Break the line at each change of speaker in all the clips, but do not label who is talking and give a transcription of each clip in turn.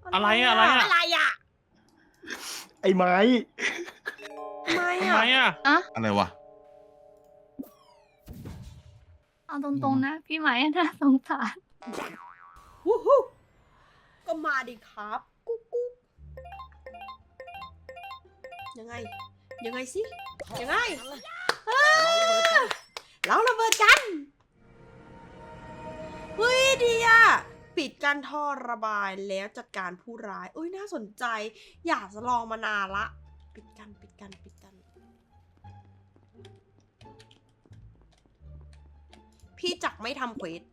อะไรอะ
ไอ้ไม้
ทำไม
ทำไม
อะ
อ่ะ
อะไรวะ
เอาตรงๆนะพี่ไหมน่าสงสาร
วู้ฮู้ก็มาดิครับ กุ๊กกุ๊กยังไงสิยังไงเราระเบิดกันเฮ้ยดีอะปิดการท่อระบายแล้วจัดการผู้ร้ายอุ้ยน่าสนใจ อยากจะลองมานานละ ปิดกัน พี่จักไม่ทำเควส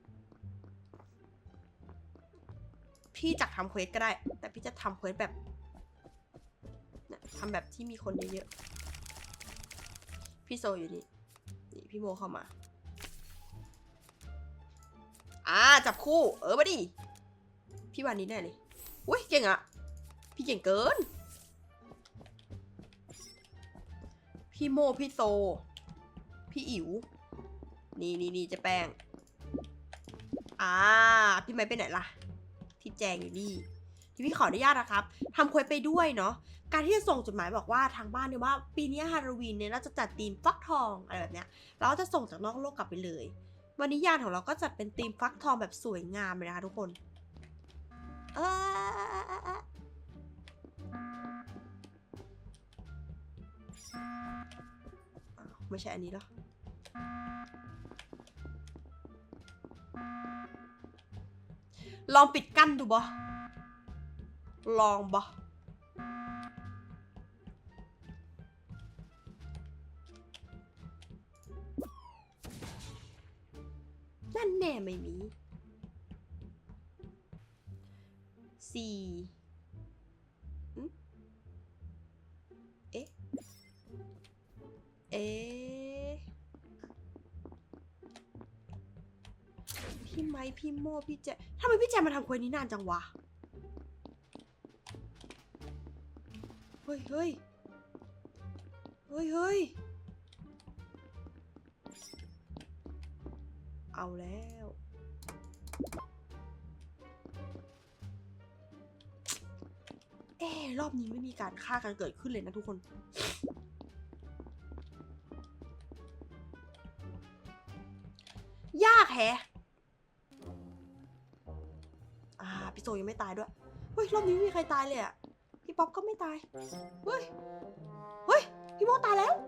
พี่จักทำเควสก็ได้ แต่พี่จะทำเควสแบบเนี่ยทำแบบที่มีคนเยอะๆพี่โซอยู่นี่พี่โมเข้ามาจับคู่มาดิพี่วันนี้แน่เลยอุ้ยเก่งอะพี่เก่งเกินพี่โมพี่โซพี่อิ๋วนี่เจะแป้งพี่ไม้ไปไหนล่ะที่แจงอยู่นี่ที่พี่ขออนุญาตนะครับทำเควสไปด้วยเนาะการที่จะส่งจดหมายบอกว่าทางบ้านเนี่ยว่าปีนี้ฮาโลวีนเนี่ยเราจะจัดธีมฟักทองอะไรแบบเนี้ยเราจะส่งจากนอกโลกกลับไปเลยวันนี้ยานของเราก็จัดเป็นธีมฟักทองแบบสวยงามเลยนะคะทุกคนไม่ใช่อันนี้หรอลองปิดกั้นดูบ่ลองบ่นั่นแน่ไม่มี4พี่ไม้พี่โม่พี่แจทำไมพี่แจมาทำเควสนี้นานจังวะเฮ้ยเอาแล้วรอบนี้ไม่มีการฆ่ากันเกิดขึ้นเลยนะทุกคนยากแฮะพี่โซยังไม่ตายด้วยเฮ้ยรอบนี้ไม่มีใครตายเลยอะพี่ป๊อปก็ไม่ตายเฮ้ยพี่โมตายแล้ว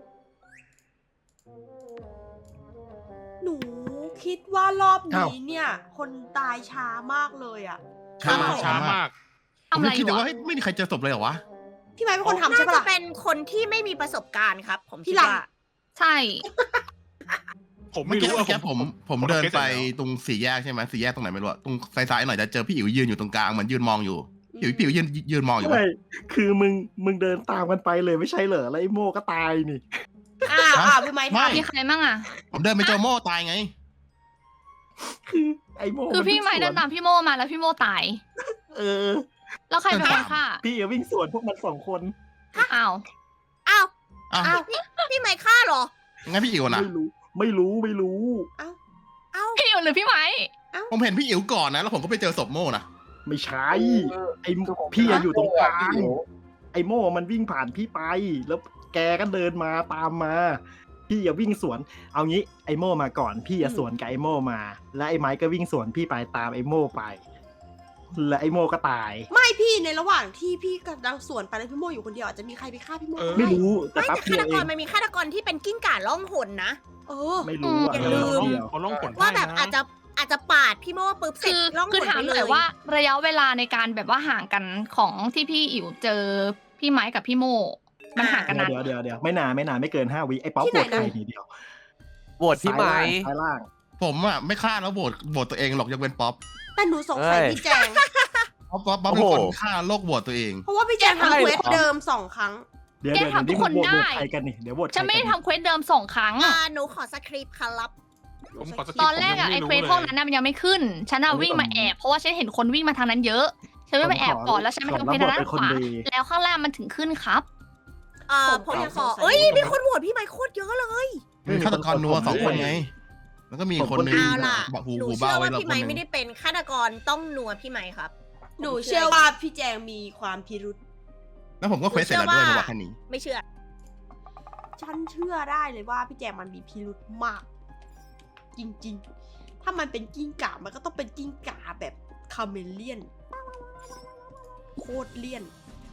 หนูคิดว่ารอบนี้เนี่ยคนตายช้ามากเลยอะ
ช้ามาก
ทำอะไร
คิด
อยู่
ว่า
อะ
ไม่มีใครเจอศพเลยเหรอวะ
พี่ไม้เป็นคนทำใช่ปะ
น่า
ล่ะ
จะเป็นคนที่ไม่มีประสบการณ์ครับ ผมคิด
พี่หลัง
ว่า
ใช่
ผม
เมื่อ
ไม่
กี้
รู้
เมื่อกี้
อะ
ผมเดินไปตรงสี่แยกใช่ไหมสี่แยกตรงไหนไม่รู้อะตรงซ้ายๆหน่อยจะเจอพี่อิ๋วยืนอยู่ตรงกลางเหมือนยืนมองอยู่พี่อิ๋วยืนมองอยู่
ใช่คือมึงเดินตามกันไปเลยไม่ใช่เหรอแล้วไอ้โม่ก็ตายนี่
พี่ไม้
ไม่
มีใครมั่งอ่ะ
ผมเดินไปเจอโม่ตายไง
คือไอ้โม่
คือพี่ไหมเดินตามพี่โมมาแล้วพี่โมตาย
เออ
แล้วใครเป็นคนฆ่า
พี่ก็วิ่งสวนพวกมัน2 คน
อ้าว
อ้าว
อ้าว
พี่ไม่ฆ่าเหรอ
งั้นพี่อิ๋วนะ
ไม่รู้
พี่อิ๋วหรือพี่ไหม
ผมเห็นพี่อิ๋วก่อนนะแล้วผมก็ไปเจอศพโม่นะ
ไม่ใช่ไอ้พี่อยู่ตรงกลางไอ้โม่มันวิ่งผ่านพี่ไป แล้วแกก็เดินมาตามมา พี่อย่าวิ่งสวน เอางี้ไอ้โม่มาก่อนพี่อย่าสวนกับไอ้โม่มา แล้วไอ้ไม้ก็วิ่งสวนพี่ไปตามไอ้โม่ไป และไอ้โม่ก็ตาย
ไม่พี่ในระหว่างที่พี่กำลังสวนไปแล้วพี่โมอยู่คนเดียวอาจจะมีใครไปฆ่าพี่โมก็
ไม่
ได้
รู้แต่
ไม่
แป๊บ
แต่
เดีย
ฆาว ต
เอก
รง มันมีฆาตกรที่เป็นกิ้งก่าล่องหนนะ
ไม่รู้อะ
อย่าลืม
เขาล่องผล
ว่าแบบ
ให้นะ
อาจจะปาดพี่โม่ปุ๊บเสร็จ
คือ
ล่องห
คือน ถา
ไป
ม
เล
หน่อย
ย
ว่าระยะเวลาในการแบบว่าห่างกันของที่พี่อิ๋วเจอพี่ไม้กับพี่โมมันห่างกันนาน
เดี๋ยวไม่นานไม่เกิน5 วิไอ้ป๊อป
ที่
ป
ไหน
วด
นะ
ใครทีเดียว
โหวตพี่ไม้
ซ้ายล่าง
ผมอะไม่ฆ่าแล้วโหวตตัวเองหรอกยังเป็นป๊อป
แต่หนูสงสัย
เอ้ย
พี่แจง
ป๊อปเป็นคนฆ่าโลกโหวตตัวเอง
เพราะว่าพี่แจงทำเควสเดิม2 ครั้ง
เดี๋ยว
แกทำทุกคน
โหวต
ได้
ใครกันนี่เดี๋ยวโหวต
ฉันไม่ได้ทำเควสเดิม2 ครั้ง
หนูขอสคริปต์ครับ
ผมขอสกิป
ตอนแรกอะ
ผม
ไอ้
ยัง
เคว
ไม่
ส
รู้
พวกนั้นน่ะมันยังไม่ขึ้น ฉันอะวิ่งมาแอบเพราะว่าฉันเห็นคนวิ่งมาทางนั้นเยอะ ฉันวิ่งมาแอบก่อนแล้วฉันไปทำเควสทางด้านขวา แล้วข้างล่างมันถึงขึ้นครับ
ผมขอมีคนโหวตพี่ไม้โคตรเยอะเลย
มีฆาตกรนัว2 คนไง แล้วก็มีคนนึง
เอาล่ะ
หู
หนู
หู
เชื่
เบา
อ
ไว้
ว่า
แล้ว
พี่
คน
ไม้
นึง
ไม่ได้เป็นฆาตกรต้องนัวพี่ไม้ครับ
หนูเชื่อว่าพี่แจงมีความพิรุษ
แล้วผมก็เควสเสร็จแล้วด้วยระหว่างคันนี้
ไม่เชื่อ
ฉันเชื่อได้เลยว่าพี่แจงมันมีพิรุษมาก จริงๆ ถ้ามันเป็นกิ้งก่ามันก็ต้องเป็นกิ้งก่าแบบคาเมเลียน โคตรเลี่ยน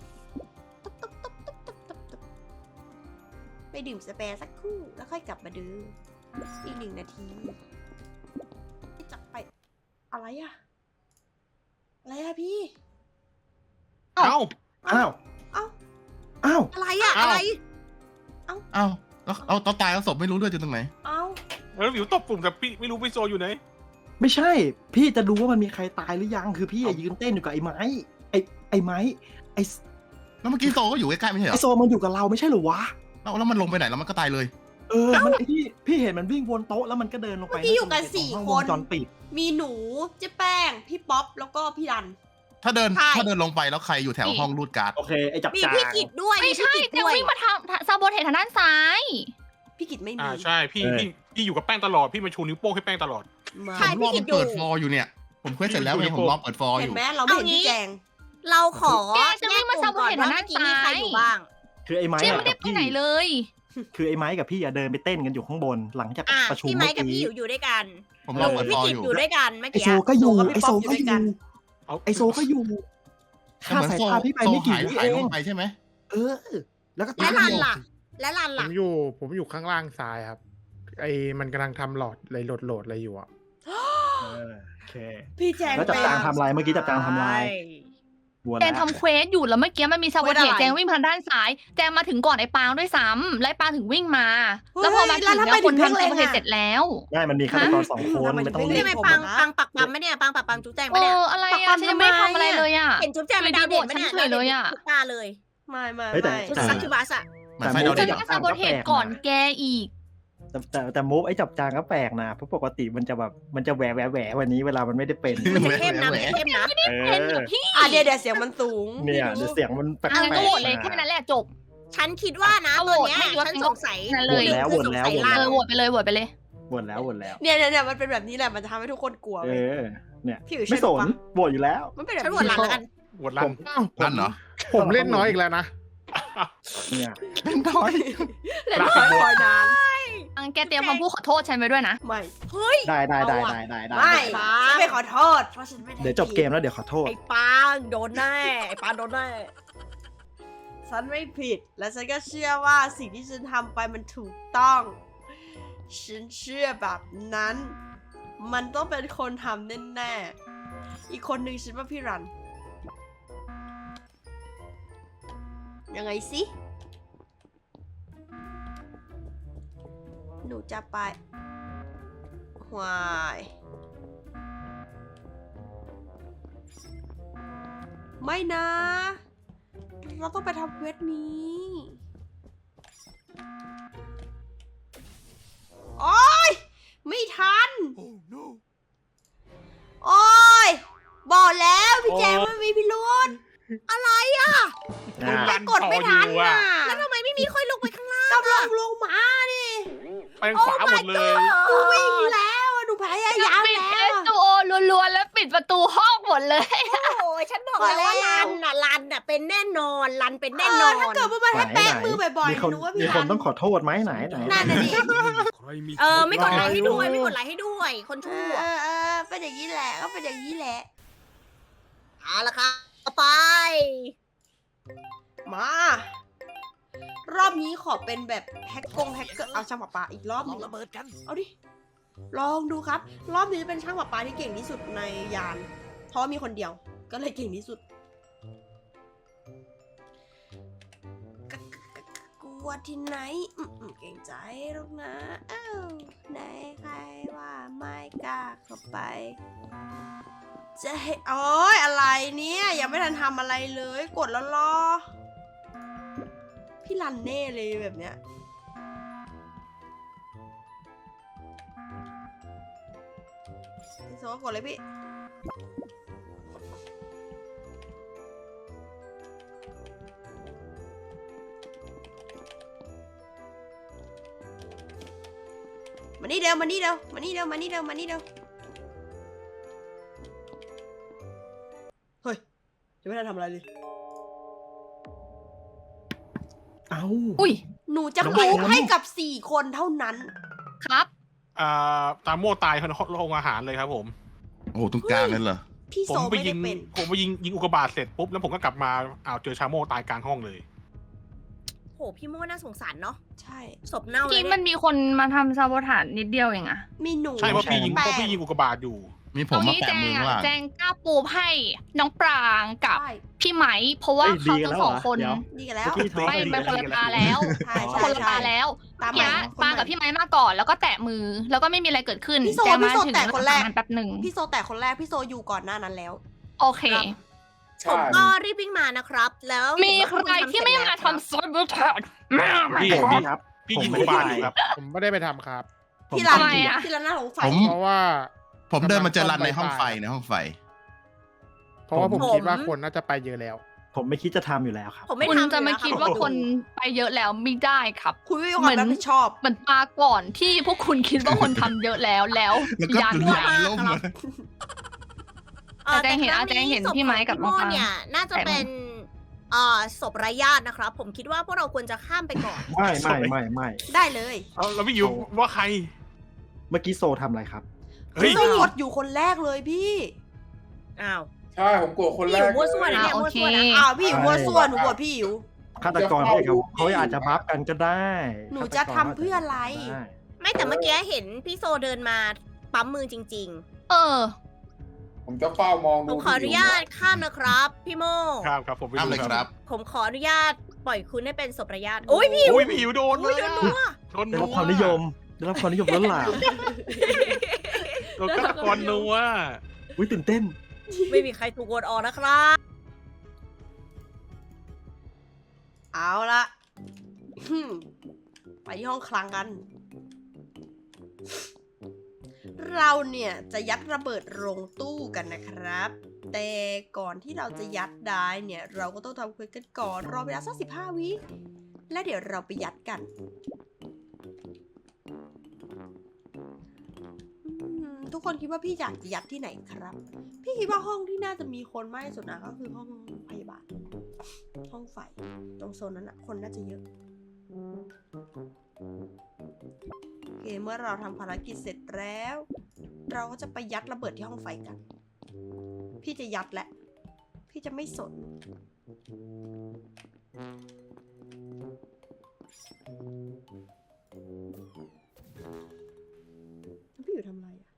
ไปดื่มสเปรย์สักครู่แล้วค่อยกลับมาดูอีก1 นาทีจะไปอะไรอะอะไรอะพี่
เอ้า
อ้าว
เอ้า
อ้าว
อะไรอะ
อ้าว
อะไร
เอ้าแล้วเอาตอนตายแล้วศพไม่รู้ด้วยอยู่ตรงไหน
เอ้า
แล้ววิวตบปุ่มแต่พี่ไม่รู้พี่โซอยู่ไหน
ไม่ใช่ พี่จะดูว่ามันมีใครตายหรือยังคือพี่อะยืนเต้นอยู่กับไอ้ไม้ไอ้ไม้ไอ้
แล้วเมื่อกี้โซก็อยู่ใกล้ๆไม่ใช่เหร
ไอ้
อ
โซมันอยู่กับเราไม่ใช่เหรอวะ
แล้วมันลงไปไหนแล้วมันก็ตายเลย
มันพี่เห็นมันวิ่งวนโต๊ะแล้วมันก็เดินลงไป
เมื่อกี้อยู่กัน
ตรง
สี่
ห้อง
คน
วงจรปิด
มีหนูเจ๊แป้ง พี่ป๊อป แล้วก็พี่รัน
ถ้าเดิน
ใช่
ลงไปแล้วใครอยู่แถวห้องรูดการ์ด
โอเคไอ้จับ
มี
จาง
พี่กิจด้วย
ไม่ใช่
พี่กิจ
แจง
ด้วย
วิ่งมาทำซาโบเทสทางด้านซ้าย
พี่กิตไม่มี
ใช่พี่อยู่กับแป้งตลอดพี่มาชูนิ้วโป้งให้แป้งตลอด
มา
ใช่
ผมรอมันเปิดฟอร์อยู่เนี่ย ผมเควสเสร็จแล้วไงผมรอเปิดฟอร์อ
เห็น
ยู่
ไหมเราไม่เห็น
เอางี้
พี่แจง
เราขอ
แกจะวิ่งมา
แยกกลุ่ก่อน
ซาโบเทส
ว่า
ทางด้าน
เมื่อกี้มีใคร
ซ้าย
อยู่บ้าง
คือไอ้ไม้
เจง
อะ
ไม่ได้
กับ
ไป
พี่
ไหนเลย
คือไอ้ไม้กับพี่อะเดินไปเต้นกันอยู่ข้างบนหลังจากประชุม
พี่ไม้
เมื่อ
กับพี่
กี้
อยู่ด้วยกัน
ผม
ห
รอ
นู
เปิด
พี่
ฟอร์
กิจ
อยู่
อยู่ด้วยกันเมื่อ
ไอ
กี้
โซก็อยู่
โซกับพี่
ไอโซ
ป๊อปอยู่
ก็
ด้วย
อ
กั
ยู่
น
ไอโซก็อยู่
แต่เหมือน
สาย
โซ
ตาพี่ไปไม่กี่
หาย
วิ
หาย
เอ
ล
ง
งไปใช่ไหม
แล้วก็
และ
ตาย
ลันล่ะ และลัน
ผ
ล่ะ
มอยู่ข้างล่างซ้ายครับ มันกำลังทำหลอดเลยโหลดอะไรอยู่อ่ะ
โอเค
พี่แจง
แล้วจับจางทำลายเมื่อกี้จับจางทำลายวน
แจง
แล้ว
ทำเควสอยู่แล้วเมื่อกี้มันมีซาโบเทสแจงวิ่งมาทางด้านซ้าย แจงมาถึงก่อนไอ้ปางด้วยซ้ำและไอ้ปางถึงวิ่งมา แล้วพอมาถึงเนี่ยคนทำซาโบเทสเสร็จแล้ว
ง่ายมันมีฆาตกร2 คนไม่ต้องรี
นี่
บ
ไม่ปังปักปั๊มไหมเนี่ยปังปักปั๊มจุ๊บแจงไหมเนี่ย
อะไรอะฉันยังไม่ทำอะไรเลยอะ
เห็นจุ๊บแจงเป็นดาวเด่นไหมเนี่ย
ฉันเฉยเลยอะ
ทุกตาเลย
ไม่
เฮ้ยแต่
ชุด
แต่
ซักชิบัสอะ
เหมือนไฟดาว
ฉั
เด่
น
น
มาซาโบเทสก่อนแกอีก
แต่มูฟไอ้จับจางก็แปลกนะเพราะปกติมันจะแบบมันจะแหววันนี้เวลามันไม่ได้เป็น
มันจะเข้มนะมันจะเข้มนะ
เป็นกับพี่
เดี๋ยวเสียงมันสูง
เนี่ย
ไม่รู้
เสียงมันแปลก
อันนั้นก็โหวตเลย
ๆ
แค่นั้นแหละจบ
ฉันคิดว่านะ
เอา
ตอน
โหวต
เนี้ย
ไม่รู้ว่า
ฉันสงสัย
นั่นเลย
หนึ่งคือสงสัยลัน
โหวตไปเลยโหวตไปเลย
วนแล้ว
เนี่ยมันเป็นแบบนี้แหละมันจะทำให้ทุกคนกลัว
เอ
เว้ย
อเนี่ย
พี่อยู่
ไม่
เชื่
ส
อน ปะ
โหวตอยู่แล้ว
มันเป็นแบบ
ฉันโหวตลันแล้วกัน
หวดลัน
ลั่นเหรอ
ผมเล่นน้อยอีกแล้วนะ
เนี่ย
เป็นน้อย
เล่นคอยนาน
อังแกเตรียมคำพูดขอโทษฉันไว้ด้วยนะ
ไม่
เฮ้ย
ได้
เอา
ได้
อะ
ไม่ฉันไม่ขอโทษเพราะฉันไม่ได้
เดี๋ยวจบเกมแล้วเดี๋ยวขอโทษ
ไอ้ปางโดนแน่ไอ้ปางโดนแน่
ฉันไม่ผิด และฉันก็เชื่อว่าสิ่งที่ฉันทำไปมันถูกต้อง ฉันเชื่อแบบนั้น มันต้องเป็นคนทำแน่ๆอีกคนหนึ่งฉันว่าพี่รัน ยังไงสิ หนูจะไปหวายไม่นะ เราต้องไปทำเควสนี้ โอ๊ย ไม่ทัน โอ๊ย บอกแล้วพี่แจงมันมีพิรุธ
อะไรอ่ะ
อ่า
แต่กดไม่ทันน่ะ
แล้วทำไมไม่มีค่อยลงไปข้างล่าง
กำลังลงมาดิ
ไปทางขวาหมดเลย
กูวิ่งแล้วอะหนูพยายาม
ปิด
แล้
เอ
ว
สตูโอรัวๆแล้วปิดประตูห้องหมดเลย
โอ้ยฉันบอกแล้วว่าลันน่ะเป็นแน่นอนลันเป็นแน่นอน
ถ้าเกิดว่ามันให้แป้งมือบ่อย
มี
ๆ
คน
หนูว่า
มี
พี่
ค
รั
น
น
ต้องขอโทษไหมไหน
นั่นน่ะดิ
ไม่กดไลค์ให้ด้วยไม่กดไลค์ให้ด้วย คนชั่ว
เป็นอย่างนี้แหละก็เป็นอย่างนี้แหละ
เอาละครับต่อไป
มา รอบนี้ขอเป็นแบบแฮกเกอร์เอาช่างประปาอีกรอบหนึง
ระเบิดกัน
เอาดิ ลองดูครับ รอบนี้เป็นช่างประปาที่เก่งที่สุดในยาน เพราะมีคนเดียว ก็เลยเก่งที่สุด กลัวที่ไหนเก่งใจหรอกนะอ้าวไหนใครว่าไม่กล้าเข้าไป จะให้โอ๊ยอะไรเนี่ยยังไม่ทันทำอะไรเลย กดแล้วรอ พี่รันเน่เลยแบบเนี้ยพี่โซกดเลยพี่ มานี่เร็วมานี่เร็วมานี่เร็วมานี่เร็วมานี่เร็วเฮ้ยยังไม่ได้ทำอะไรเลย
เอ้า
อุ้ย
หนูจะ
น้อง
มูฟ
แชมป์
ให้กับ4 คนเท่านั้น
ครับ
ตามโม่ตายในโรงอาหารเลยครับผม
โอ้โหตรงกลางนั่นเหรอ
พี่
ผ
โซ
มไป
ไม่
ยิ
ได้
ง
เป็น
ผมไปยิงอุกกาบาตเสร็จปุ๊บแล้วผมก็กลับมาเจอชาโม่ตายกลางห้องเลย
โหพี่โม่น่าสงสารเนาะ
ใช่
ศพเน่าเล
ที่
ย
มันมีคนมาทำซาโบทานนิดเดียวเองอะ
มีหนู
ใช่เพราะพี่ยิง
แป้
อุกกาบาตอยู่
มีผมมา
นี้
แปะ
แจ
มื
ง
อข้างหลัง
แจงกล้าปูให้น้องปรางกับ
ใช่
พี่ไหม เพราะว่า
เอ้ย
เขา
ดีกัน
ทั้
แล้ว
งสอง
เหรอ
คน
เดี๋ยว
ดีกันแล้ว
เมื่อกี้ท้อง
ไป
ก็ดี
เป็นคนละ
ดี
ตาแล้ว
ใช่ใช่
คนละตาแล้ว
ตาม
เนี้ยปรางกับพี่ไหมมาก่อนแล้วก็แตะมือแล้วก็ไม่มีอะไรเกิดขึ้น
พี่โซ
แจงมา
พี่โซ
ถึง
แตะคนแรก
แป๊บหนึ่ง
พี่โซแต่คนแรกพี่โซอยู่ก่อนหน้านั้นแล้ว
โอเค
ผมก็รีบวิ่งมานะครับ แล้ว
มีใครที่ไม่มาทำซาโบทานแม่
พี่
ผมครับ
พี่
ผม
ยิง
ไม่
อุก
ได้
กาบาตอยู่ครับ
ผมไม่ได้ไปทำครับ
ที่ร้าน
ทำไมอะ
ที่ร้านหน้าสงสัย
ผม
เพราะว่า
ผมเดินมาเจอรันในห้องไฟในห้องไฟ
เพราะว่าผมคิดว่าคนน่าจะไปเยอะแล้ว
ผมไม่คิดจะทำอยู่แล้วครับ
ผมไม่
คุณ
ทำ
จะมา
อยู่
คิด
รับ
ว่าคนไปเยอะแล้วไม่ได้ครับ
คุณไม่มีความรับผิดชอบ
เหมือนมาก่อนที่พวกคุณคิดว่าคนทำเยอะแล้ว
แล้วก็
ยัน
จุด
ว่า
ยางล่มเลย
แต่แจงเห็น
ครั้
แจงเห็น
ศพ
พี่ไม้กับ
ของพี่โม่
น้องปราง
เนี่ยน่าจะเป็นศพไร้ญาตินะครับ ผมคิดว่าพวกเราควรจะข้ามไปก่อน
ไม่
ได้เลย
เอาแล้วพี่อยู่ว่าใคร
เมื่อกี้โซทำอะไรครับ
เฮ้ย
พี่โซกดอยู่คนแรกเลยพี่
อ้าว
ใช่ผมกลัวคน
พี่
แร
อยู่
ก
มั่วซั่วนะเนี่ย
โอ
มั่ว
เค
ซั่วนะ
อ้าวพี่อิ๋วมัวส่วนหนูบวชพี่อิ๋ว
ฆาตกรเขาอาจจะบัฟกันก็ได้
หนูจะทำเพื่ออะไร
ได้
ไม่แต่เมื่อกี้เห็นพี่โซเดินมาปั๊มมือจริง
เออ
ผมจะเฝ้ามอง
ๆ ผ
ดู
มขออนุญาตข้ามนะครับ พี่โม
ครับผมไป
ข้าม
ดู
เลยครับ
ผมขออนุญาตปล่อยคุณให้เป็นศพไร้ญาติโอ้ยพี่
โอ้ยพี่อยู่โดน
อุ้ย
เลย
โดนนัว
โดน
ได้
นั
รับความนิยมได้รับความนิยมล้นหลาม
โดนฆาตกรนัว
อุ้ยตื่นเต้น
ไม่มีใครถูกโหวตออกนะครับ
เอาละไปที่ห้องคลังกัน เราเนี่ยจะยัดระเบิดลงตู้กันนะครับ แต่ก่อนที่เราจะยัดได้เนี่ย เราก็ต้องทำเควสกันก่อนรอเวลาสัก15 วิและเดี๋ยวเราไปยัดกันทุกคนคิดว่าพี่อยากจะยัดที่ไหนครับ พี่คิดว่าห้องที่น่าจะมีคนมากที่สุดนะก็คือห้องพยาบาล ห้องไฟตรงโซนนั้นอะคนน่าจะเยอะโอเคเมื่อเราทำภารกิจเสร็จแล้ว เราก็จะไปยัดระเบิดที่ห้องไฟกัน พี่จะยัดแหละ พี่จะไม่สนพี่อยู่ทำอะไรอะ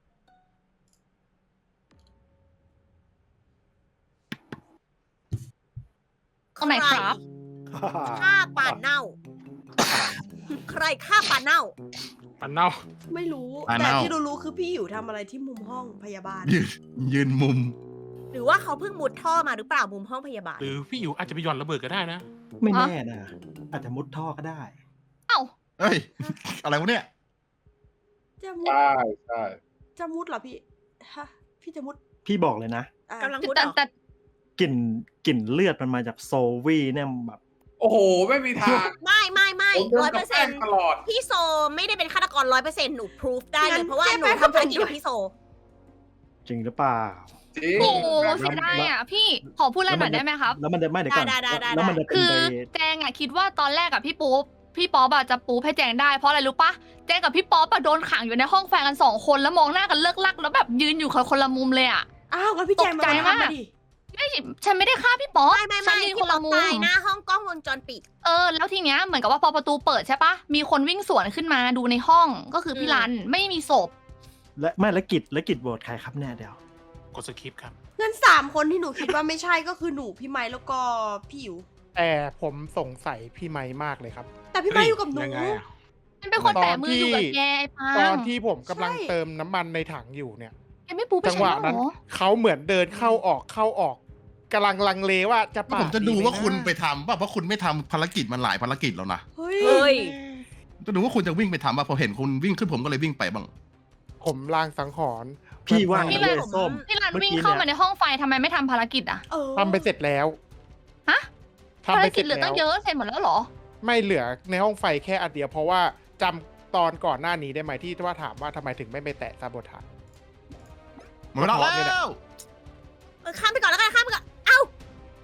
ตรงไหนครับ
ฆ่าปลาเน่า ใครฆ่าปลาเน่า
ปันเน่า
ไม่รู้
อ่า
แต่
เน่า
ที่รู้ๆคือพี่อยู่ทำอะไรที่มุมห้องพยาบาล
ยืนมุม
หรือว่าเขาเพิ่งมุดท่อมาหรือเปล่ามุมห้องพยาบาล
หรือพี่อยู่อาจจะไปหย่อนระเบิดก็ได้นะ
ไม่แน่นะอาจจะมุดท่อก็ได้
เอ้า
เอ้ย อะไรวะเนี่ย
จะมุด
ใช่ใช่
จะมุดเหรอพี่ฮะพี่จะมุด
พี่บอกเลยนะ
อ่ะ
กำลังมุด
แต่
เหรอ
แต่
กลิ่นเลือดมันมาจากโซวี่เนี่ยแบบ
โอ้โห ไม่มีทาง
ไม่
ผมโด
ร้
น
อย
กั
เปอบ ร์
แป้
เซ็น
ง
ต์
ตลอด
พี่โซไม่ได้เป็นฆาตกร100%หนูพิสูจได้เลยเพราะว่า
งั้น
หนู
เจ๊แป้ง
ทำภารกิจกับพี่โซ
จริงหรือเปล่า
จริง
โอ้โหเสียดายอ่ะพี่ขอพูดอะไรหน่อยได้ไหมครับ
แล้วมันจะไม่เดี๋ยวก่อน
ได้
แล้วมันจะเป็น
คือ
ไป
แจงอะคิดว่าตอนแรกอะพี่ป๊อปอะจะปูให้แจงได้เพราะอะไรรู้ปะแจงกับพี่ป๊อปอะโดนขังอยู่ในห้องแฟนกัน2 คนแล้วมองหน้ากันเลิกลักแล้วแบบยืนอยู่คนละมุมเลยอะ
อ้าวงั้นพี่แจง
ตกใจ
มาทำ
มาก
มาดิ
ไม่ฉันไม่ได้ฆ่าพี่ป๊อป
ไม่
ฉันยืน
พี่
คน
ป๊อ
ละ
ป
มุม
ตายหน้าห้องกล้องวงจรปิด
แล้วทีเนี้ยเหมือนกับว่าพอประตูเปิดใช่ปะมีคนวิ่งสวนขึ้นมาดูในห้องก็คือพี่รันไม่มีศพ
และกิจโหวตใครครับแน่เดี๋ยว
กดสคริปต์ครับ
งั้น3 คนที่หนูคิดว่าไม่ใช่ก็คือหนูพี่ไม้แล้วก็พี่อิ๋ว
แต่ผมสงสัยพี่ไม้มากเลยครับ
แต่พี่ไม้อยู่กับหนู
ยังไงอะ
มันเป็นคนแตะมืออยู่กับแกไอ้ปัง
ตอนที่ผมกำลัง
ใช่
เติมน้ำมันในถังอยู่เนี่ย
แกไม่ปูไป
จัง
ใช่
หวะ
เหร
นั้น
อ
เขาเหมือนเดินเข้าออกกำลังลังเลว่าจะ
ก็
ปา
ผมจะดู
ไห
ว่าคุณไปทำป่ะเพราะคุณไม่ทำภารกิจมันหลายภารกิจแล้วนะ
เฮ้ย
เฮ้ย
จะดูว่าคุณจะวิ่งไปทำป่ะพอเห็นคุณวิ่งขึ้นผมก็เลยวิ่งไปบ้าง
ผมลางสังหรณ์
พี่ว่า
พี่
เล
รัน
ยส้ม
พี่รัน
เมื่อ
วิ่ง
กี้
เข้ามา
เนี่ย
ในห้องไฟทำไมไม่ทำภารกิจอะ
เออ
ทำไปเสร็จแล้ว
ฮะ
ทำ
ภาร
ไปเส
กิ
ร็
จ
จ
เหลือ
แล้
ตั้ง
ว
เยอะเสร็จหมดแล้วเหรอ
ไม่เหลือในห้องไฟแค่อันเดียวเพราะว่าจำตอนก่อนหน้านี้ได้ไหมที่ว่าถามว่าทำไมถึงไม่ไปแตะซาโบทาน
หมดเวลาแล้ว
ข้ามไปก่อนแล้วกันข้ามไปก่อน เอ้า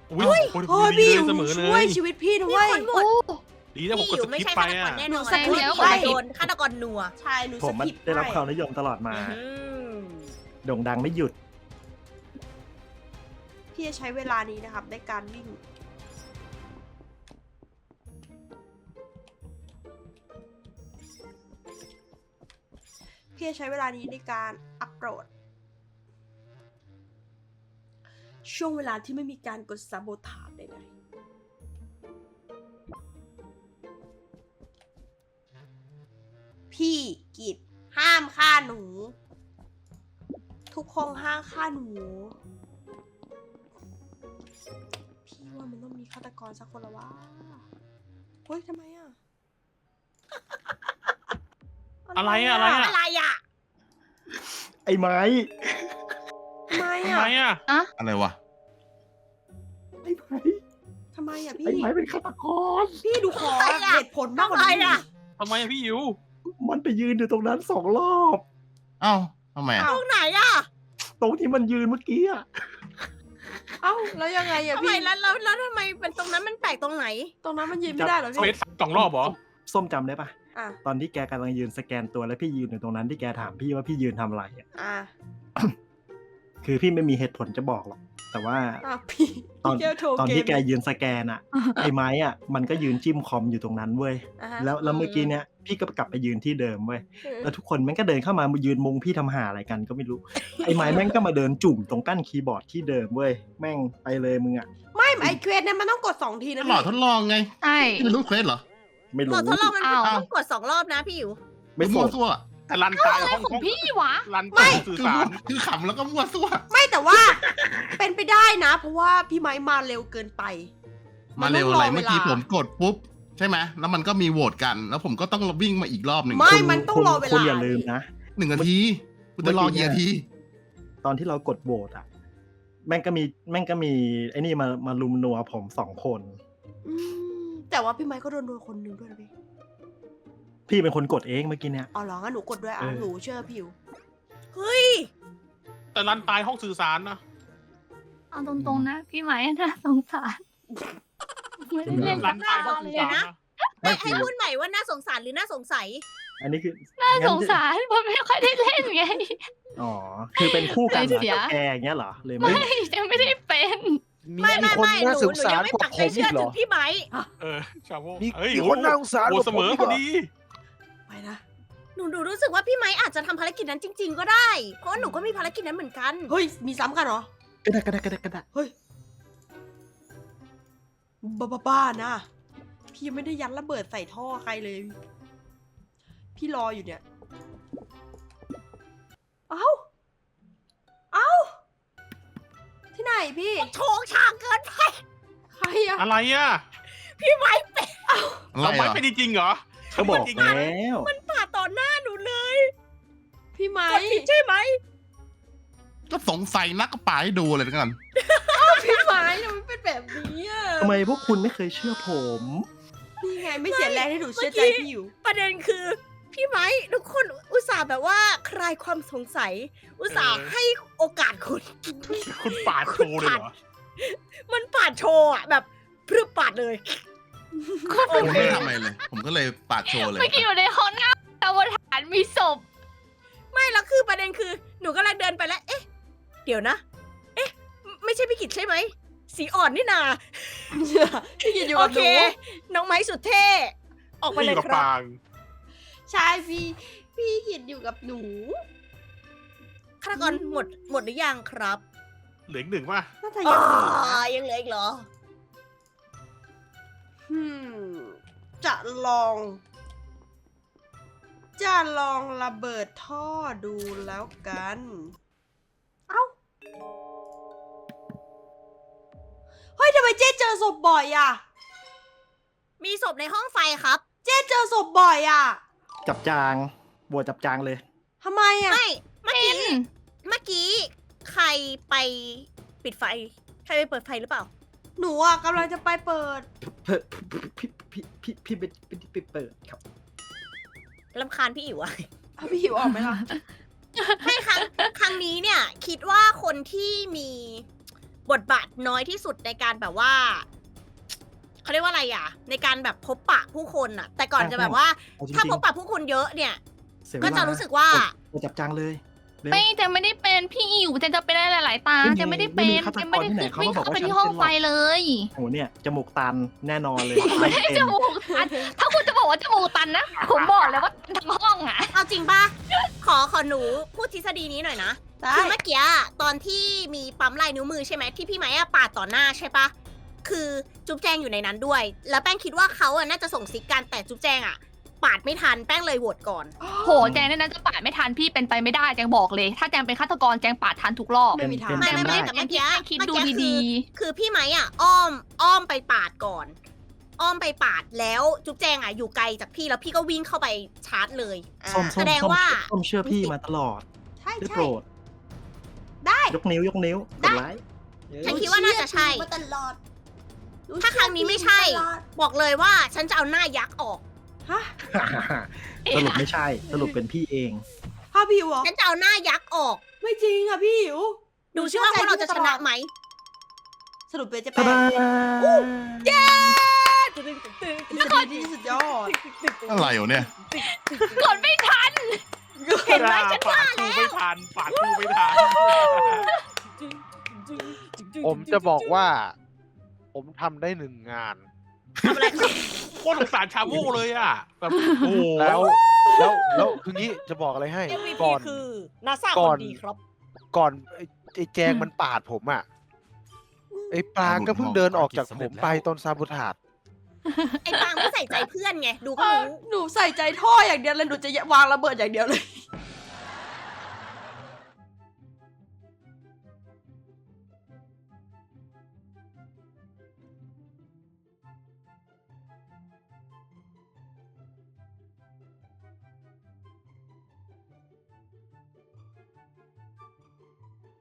อุ้ย
โอ้ย
ดี
พี่
เลยเสมอเล
ช่วย
ย
ชีวิตพี่นะ
มี
เว้ย
คนหมด
ดีนะผม
พี่
ก
อ
ด
ยู่
ส
ไม่
กิป
ใช่
ไป
ฆาตกร
อ่ะ
แน่นอน
หนูสกิป
พี่
ไป
โดนฆาตกรนัว
ใช่หนู
ผ
ส
มมัน
กิป
ได้รับ
ให้
ความนิยมตลอดมา
อืม
โด่งดังไม่หยุด
พี่จะใช้เวลานี้นะครับในการวิ่ง พี่จะใช้เวลานี้ในการอัปโหลด ช่วงเวลาที่ไม่มีการกดซับโบทาดใดๆพี่กิจห้ามฆ่าหนู ทุกคนห้ามฆ่าหนู พี่ว่ามันต้องมีฆาตกรสักคนละว่าเฮ้ยทำไมอ่ะ
อะไรอะอะไรอะ
อะไรอ่ะ
ไอ้ไม้
ทำไม
ทำไม
อ่ะ
อ่ะ
อะไรวะ
ไอ้ไม้
ทำไมอ่ะ
ไอ้
พี่
ไม้เป็นฆาตกร
พี่ดูขอ
ทำไมอะ
เหตุผลมากกว่า
ทำไม
นี้
อะ
ทำไมอะพี่อิ๋ว
มันไปยืนอยู่ตรงนั้น2 รอบ
เอ้าทำไมอะ
ตรงไหนอ่ะ
ตรงที่มันยืนเมื่อกี้อะ
เอ้าแล้วยังไงอ่ะ
ทำไม
พี่
แล้วทำไมเป็นตรงนั้นมันแปลกตรงไหน
ตรงนั้นมันยืนไม่ได้เหรอ
เฟ
พี่
ส2 รอบเหรอ
ส้มจำได้ปะ
อ่ะ
ตอนที่แกกำลังยืนสแกนตัวแล้วพี่ยืนอยู่ตรงนั้นที่แกถามพี่ว่าพี่ยืนทำอะไรอะ
อ่ะ
คือพี่ไม่มีเหตุผลจะบอกหรอก แต่ว่า
อ่ะพี่
ตอน
พี่เจโทร
ตอน
เก
ที่
ม
แกยืนสแกนอะไอ้ไม้อะมันก็ยืนจิ้มคอมอยู่ตรงนั้นเว้ย
อ่ะฮะ
แล้วเมื่อกี้เนี้ยพี่ก็กลับไปยืนที่เดิมเว้ย แล้วทุกคนแม่งก็เดินเข้ามายืนมุงพี่ทำหาอะไรกันก็ไม่รู้ ไอ้ไม้แม่งก็มาเดินจุ่มตรงกั้นคีย์บอร์ดที่เดิมเว้ย แม่งไปเลยมึงอะ
ไม่ไอเควสเนี่ยมันต้องกด2 ทีนะ
หลอดท
พี่
ดลองไง
ใช่
ไม่รู้เควสเหรอ
ไม่
ก
รู้
ดทดลองมัน
อ้าว
ต้องกด2 รอบนะพี่อยู่
ไม่
มั่
ส่
ว
ง
ซั่ว
แต่รันตาย
อะไร
ห้อง
ของพี่วะ
รันตายสื่อ
คือ
สาร
คือขำแล้วก็มั่วซั่ว
ไม่แต่ว่า เป็นไปได้นะ เพราะว่าพี่ไม้มาเร็วเกินไป
มาเร็วอะไร
นต้ง
เมื่อกี้ผมกดปุ๊บ ใช่ไหมแล้วมันก็มีโหวตกัน แล้วผมก็ต้องวิ่งมาอีกรอบหนึ่ง
ไม่
คุณ
มันต้องรอเวลา
คุณอย่าลืมนะ
1 นาทีคุณจะรอกี่นาที
ตอนที่เรากดโหวตอะแม่งก็มีไอ้นี่มาลุมนัวผม2 คน
อืมแต่ว่าพี่ไม้ก็โดนคนหนึ่งด้วยนะพี่
พี่เป็นคนกดเองเมื่อกี้เนี่ย
อ๋อเหรองั้นหนูกดด้วยอ่ะ
เออ
หนูเชื่อพี่อยู่
เฮ้ย
แต่รันตายห้องสื่อสารนะ
เอาตรงๆนะ พี่ไหมน่าสงสารไม่ได้เล่น
รั
กับ
น
หน้า
ตายห้อง
เล
สื่
ย
อสาร
นะ
นะ
ไม่
ให้
คือ
พูดใหม่ว่าน่าสงสารหรือน่าสงสัย
อันนี้คือ
น่าสงสารเพราะไม่ค่อยได้เล่นไง
อ๋อ คือเป็นคู่กันเหรอ
เสีย
กับแกอย่างเงี้ยเหรอเลยไม่
ไม่ยังไม่ได้เป็น
ไม่
คนน่า
ห
ส
นู
งสา
ยั
รง
ไม่
กว่า
ปัก
ผ
ใจ
ม
เชื่
อี
อก
เหร
ถึ
อ
งพี่ไม้
ชาโม
มี
เฮ้ย
มีคนน่าสงสาร
โอ้
กว่า
เสมอ
ผมอีก
พ
เหร
อ
อ
ดี
ไปนะ
หนูรู้สึกว่าพี่ไม้อาจจะทำภารกิจนั้นจริง ๆ ก็ได้ เพราะว่าหนูก็มีภารกิจนั้นเหมือนกัน
เฮ้ย มีซ้ำกันเหรอ
ก็ได้
เฮ้ย บ้านะ พี่ยังไม่ได้ยัดระเบิดใส่ท่อใครเลย พี่รออยู่เนี่ย เอ้า ที่ไหนพี่
โชงช่างเกินไป
ใครอะ
อะไรอ่ะ
พี่ไม้เป็น
อะไร
เราไม่
อ่ะ
เป็นจริงๆเหรอ
ก็บอก
จริง
แล้ว
ป่าดต่อหน้าหนูเลย
พี่ไม้
กดผิดใช่ไหม
ก็สงสัยนักก็ป่าให้ดูเลยแล้วกัน
พี่ไม้ทำไมเป็นแบบนี้อะ
ทำไมพวกคุณไม่เคยเชื่อผม
นี่ไงไม่เสียแรงให้หนูเชื่อใจพี่อยู่
ประเด็นคือ พี่ไม้ทุกคนอุตส่าห์แบบว่าคลายความสงสัย อุตส่าห์ให้โอกาสคุณ
คุณปาดโชว์เลยเหรอ
มันปาดโชว์อะแบบพรึบปาดเลย
ผมไม่ทำอะไรเลย ผมก็เลยปาดโชว์เลย
เมื่อกี้อยู่ในห้องน้ำตะวันฐานมีศพ
ไม่แล้วคือประเด็นคือหนูกำลังเดินไปแล้ว เอ๊ะ เดี๋ยวนะ เอ๊ะ ไม่ใช่พี่กิจใช่ไหม สีอ่อนนี่นา
พี่กินอยู่
โอ
กับห
เค
นู
น้องไม้สุดเท่ ออกมา
พี่
เลย
กับ
ครับ
ปาง
ใช่พี่กินอยู่กับหนู
ฆาตกรหมดหรือยังครับ
เหลืออีก1ป่ะ
น่าจะ
อ๋
ยัง
อ
เหลือนะ
ยังเหลืออีกเหรอ
จะลองระเบิดท่อดูแล้วกัน เอ้า เฮ้ยทำไมเจ๊เจอศพบ่อยอ่ะ
มีศพในห้องไฟครับ
เจ๊เจอศพบ่อยอ่ะ
จับจางบัวจับจางเลย
ทำไมอ่ะ
ไม่ เมื่อกี้ใครไปปิดไฟ ใครไปเปิดไฟหรือเปล่า
หนูอ่ะกำลังจะไปเปิด
พี่ไปเปิดครับ
ลำคาญพี่อิ๋วอะ
เอาพี่หิวออกไหมล่ะ
ไม่ครั้งนี้เนี่ย คิดว่าคนที่มีบทบาทน้อยที่สุดในการแบบว่าเขาเรียกว่าอะไรอ่ะ ในการแบบพบปะผู้คนอ่ะ แต่ก่อนจะแบบว่า
เอาจริงๆ
ถ้าพบปะผู้คนเยอะเนี่ย
เสียเว
ก็
ลา
จะรู้สึกว่า
กดจับจังเลยเร็ว
ไม่เจนไม่ได้เป็นพี่อิ๋วเจนจะเป็นได้หลายๆตา
ไม่มี
เจนไม่ได้
ไม่
เป็
มี
น
ฆาตกร
เจนไม่ได้
ที่ไหนเขา
วิ่ง
มาบอก
เข้าไป
ว่า
ที่
ฉัน
ห้อง
เป็นหรอก
ไฟเลย
โหเนี่ยจมูกตันแน่นอนเลยไม่เป็น
จมูกตันถ้าคุณจะบอกว่าจมูกตันนะ ผมบอกเลยว่าทั้งห้องอ่ะ
เอาจริงป่ะ ขอหนูพูดทฤษฎีนี้หน่อยนะ
ได้
คือเมื่อกี้อะตอนที่มีปั๊มลายนิ้วมือใช่ไหมที่พี่ไม้อะปาดต่อหน้าใช่ปะคือจุ๊บแจงอยู่ในนั้นด้วย แล้วแป้งคิดว่าเขาอะน่าจะส่งซิกกันแต่จุ๊บแจงอะปาดไม่ทันแป้งเลยโหวตก่อน
โหแจงเนี่ยนะจะปาดไม่ทันพี่เป็นไปไม่ได้แจงบอกเลย ถ้าแจงเป็นฆาตกรแจงปาดทันทุกรอบ
ไม่มีทาง
ไม่
เป็น
แต่
ได้
เมื่อกี้
คิด
เมื่อ
ดู
กี้
ดี
คือพี่ไม้อะอ้อมไปปาดก่อน อ้อมไปปาดแล้วจุ๊บแจงอะอยู่ไกลจากพี่แล้วพี่ก็วิ่งเข้าไปชาร์จเลยอ่า
ส้ม
แสดงว่า
ส้มเชื่อพี่มาตลอด
ใช่
ได้
ใช่
โปรด
ได้
ยกนิ้วยกนิ้วก
ได้
ดไลค์
ฉันคิดว่าน่าจะใช่
มาตลอด
ถ้าครั้งนี้ไม่ใช่
ตลอด
บอกเลยว่าฉันจะเอาหน้ายักษ์ออก
ฮะ
สรุปไม่ใช่ สรุปเป็นพี่เอง
ภาพพี่อิ๋วเหรอ
ฉันจะเอาหน้ายักษ์ออก
ไม่จริงอ่ะพี่อิ๋ว
ดูซิว่าพวกเราจะชนะไหม
สรุปเป็นจะ
ตา
เป็น
ดา
เย้
ทฤษฎีที่สุดยอด
อะไรอยู่เนี่ย
ๆกดไม่ทัน
เห็นไหมฉัน
ปา
ว่า
ดกูไม่ทันปาดกูไม่ทัน
ผมจะบอกว่า ผมทำได้1 งาน
ทำอะไรครับ
โคตรสงสารชาโม่เลยอ่ะแบบโอ้โห
แล้วคืองี้จะบอกอะไรให้
MVP
ก่อน
คือนาซา
ก่
ค
อน
นดีครับ
ก่อนไอ้แจงมันปาดผมอ่ะไอ้ปลาก็เพิ่งเดินออกจากผมไปตอนซาบูทาด
ไอ้ปางไม่ใส่ใจเพื่อนไง ดูก็รู้
หนูใส่ใจท่ออย่างเดียวเลยหนูจะวางระเบิดอย่างเดียวเลย